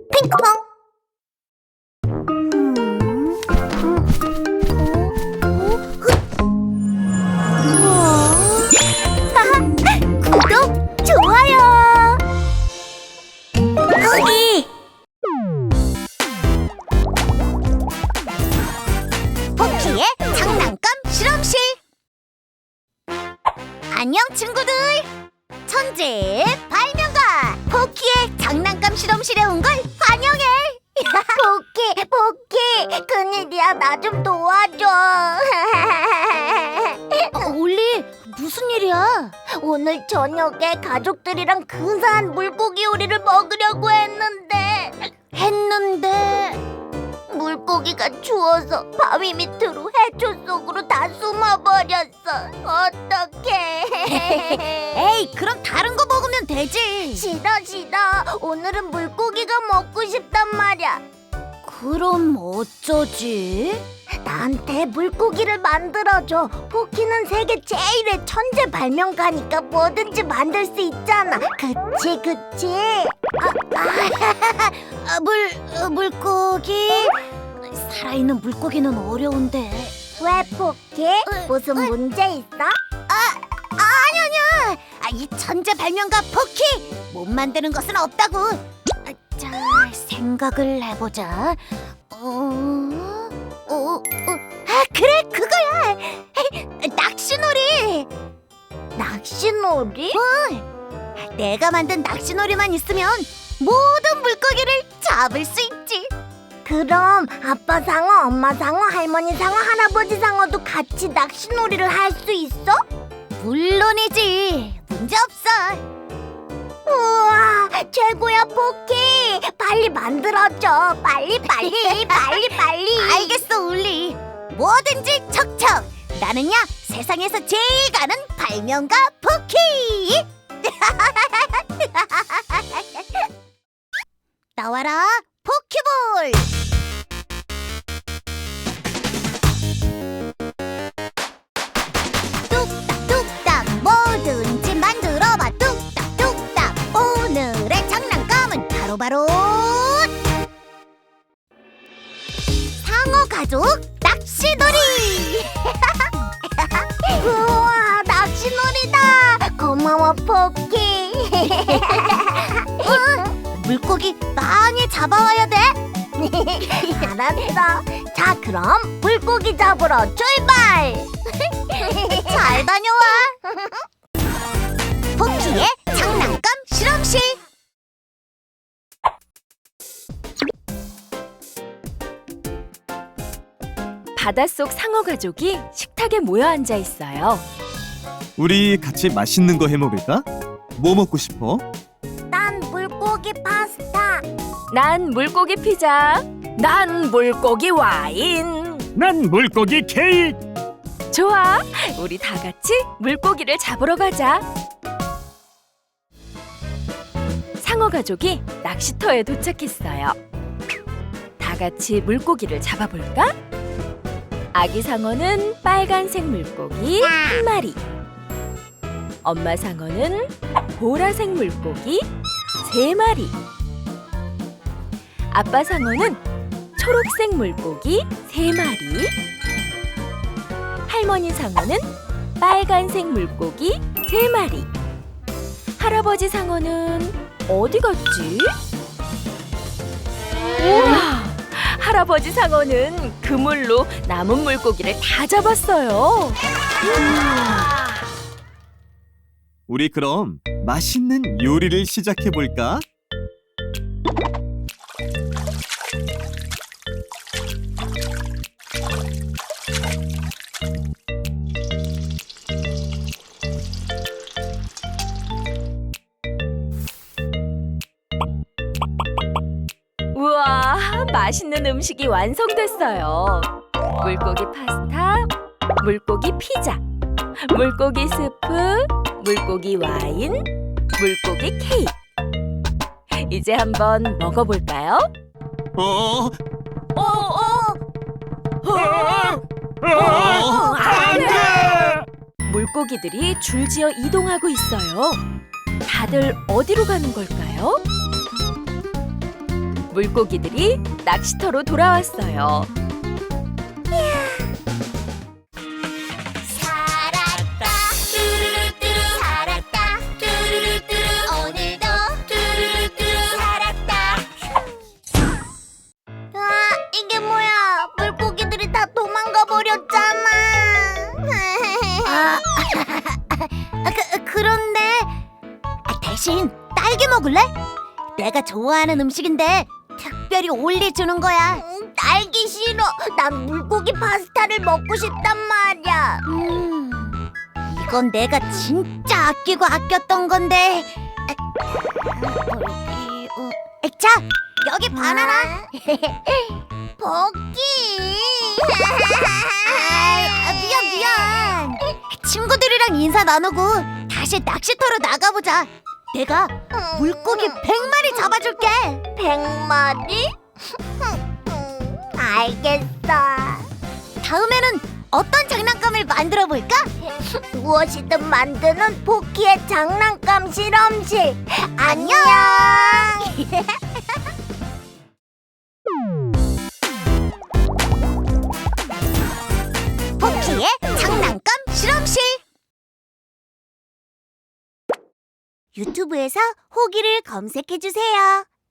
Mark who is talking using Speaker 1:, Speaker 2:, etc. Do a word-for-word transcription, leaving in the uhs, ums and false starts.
Speaker 1: 핑크퐁. 구독, 좋아요. 거기. 포키의 장난감 실험실. 안녕 친구들. 천재의 발명가 포키의 장난감 실험실에 온 걸 환영해. 포키, 포키, 큰일이야. 나 좀 도와줘. 올리, 무슨 일이야? 오늘 저녁에 가족들이랑 근사한 물고기 요리를 먹으려고 했는데 했는데 물고기가 추워서 바위 밑으로 해초 속으로 다 숨어버렸어. 어떡해. 에이, 그럼 다른 거 먹으면 되지. 싫어 싫어. 오늘은 물고기가 먹고 싶단 말이야. 그럼 어쩌지? 나한테 물고기를 만들어줘. 포키는 세계 제일의 천재 발명가니까 뭐든지 만들 수 있잖아. 그치 그치? 아, 아, 물, 어, 물고기? 살아있는 물고기는 어려운데. 왜 포키? 무슨 문제 있어? 아, 아니 아니야. 아, 이 천재 발명가 포키 못 만드는 것은 없다고. 아, 자, 생각을 해보자. 어, 어, 어, 아, 그래, 그거야. 낚시놀이. 낚시놀이? 응. 내가 만든 낚시놀이만 있으면 모든 물고기를 잡을 수 있지. 그럼 아빠 상어, 엄마 상어, 할머니 상어, 할아버지 상어도 같이 낚시놀이를 할 수 있어? 물론이지. 문제 없어. 우와, 최고야 포키. 빨리 만들어줘. 빨리 빨리 빨리 빨리. 알겠어 울리. 뭐든지 척척. 나는야 세상에서 제일 가는 발명가 포키. 나와라 포키볼. 뚝딱뚝딱 뭐든지 만들어봐. 뚝딱뚝딱. 오늘의 장난감은 바로바로 상어 가족 낚시놀이. 우와, 낚시놀이다. 고마워 포키. 어? 물고기 많이 잡아와야 돼. 알았어. 자, 그럼 물고기 잡으러 출발. 잘 다녀와. 포키의 장난감 실험실.
Speaker 2: 바닷속 상어 가족이 식탁에 모여 앉아 있어요.
Speaker 3: 우리 같이 맛있는 거 해 먹을까? 뭐 먹고 싶어?
Speaker 1: 난 물고기 파스타.
Speaker 2: 난 물고기 피자. 난 물고기 와인.
Speaker 4: 난 물고기 케이크.
Speaker 2: 좋아, 우리 다 같이 물고기를 잡으러 가자. 상어 가족이 낚시터에 도착했어요. 다 같이 물고기를 잡아볼까? 아기 상어는 빨간색 물고기 한 마리. 엄마 상어는 보라색 물고기 세 마리. 아빠 상어는 초록색 물고기 세 마리. 할머니 상어는 빨간색 물고기 세 마리. 할아버지 상어는 어디 갔지? 우와! 할아버지 상어는 그물로 남은 물고기를 다 잡았어요. 우와.
Speaker 3: 우리 그럼 맛있는 요리를 시작해 볼까?
Speaker 2: 우와, 맛있는 음식이 완성됐어요. 물고기 파스타, 물고기 피자, 물고기 스프, 물고기 와인, 물고기 케이크. 이제 한번 먹어볼까요?
Speaker 3: 어,
Speaker 2: 어, 어,
Speaker 3: 어,
Speaker 4: 안 돼!
Speaker 2: 물고기들이 줄지어 이동하고 있어요. 다들 어디로 가는 걸까요? 물고기들이 낚시터로 돌아왔어요.
Speaker 1: 살았다 뚜루루뚜루 살았다 뚜루루뚜루 오늘도 뚜루루뚜루 살았다. 아 이게 뭐야, 물고기들이 다 도망가 버렸잖아. 아, 그, 그런데 아, 대신 딸기 먹을래? 내가 좋아하는 음식인데 특별히 올려주는 거야. 음, 딸기 싫어. 난 물고기 파스타를 먹고 싶단 말이야. 음, 이건 내가 진짜 아끼고 아꼈던 건데. 여기, 어, 자, 여기 바나나. 버기. 아, 미안 미안. 친구들이랑 인사 나누고 다시 낚시터로 나가보자. 내가 물고기 백 마리 잡아줄게. 백 마리? 알겠어. 다음에는 어떤 장난감을 만들어 볼까? 무엇이든 만드는 포키의 장난감 실험실. 안녕. 포키의 장난감 실험실. 유튜브에서 호기를 검색해 주세요.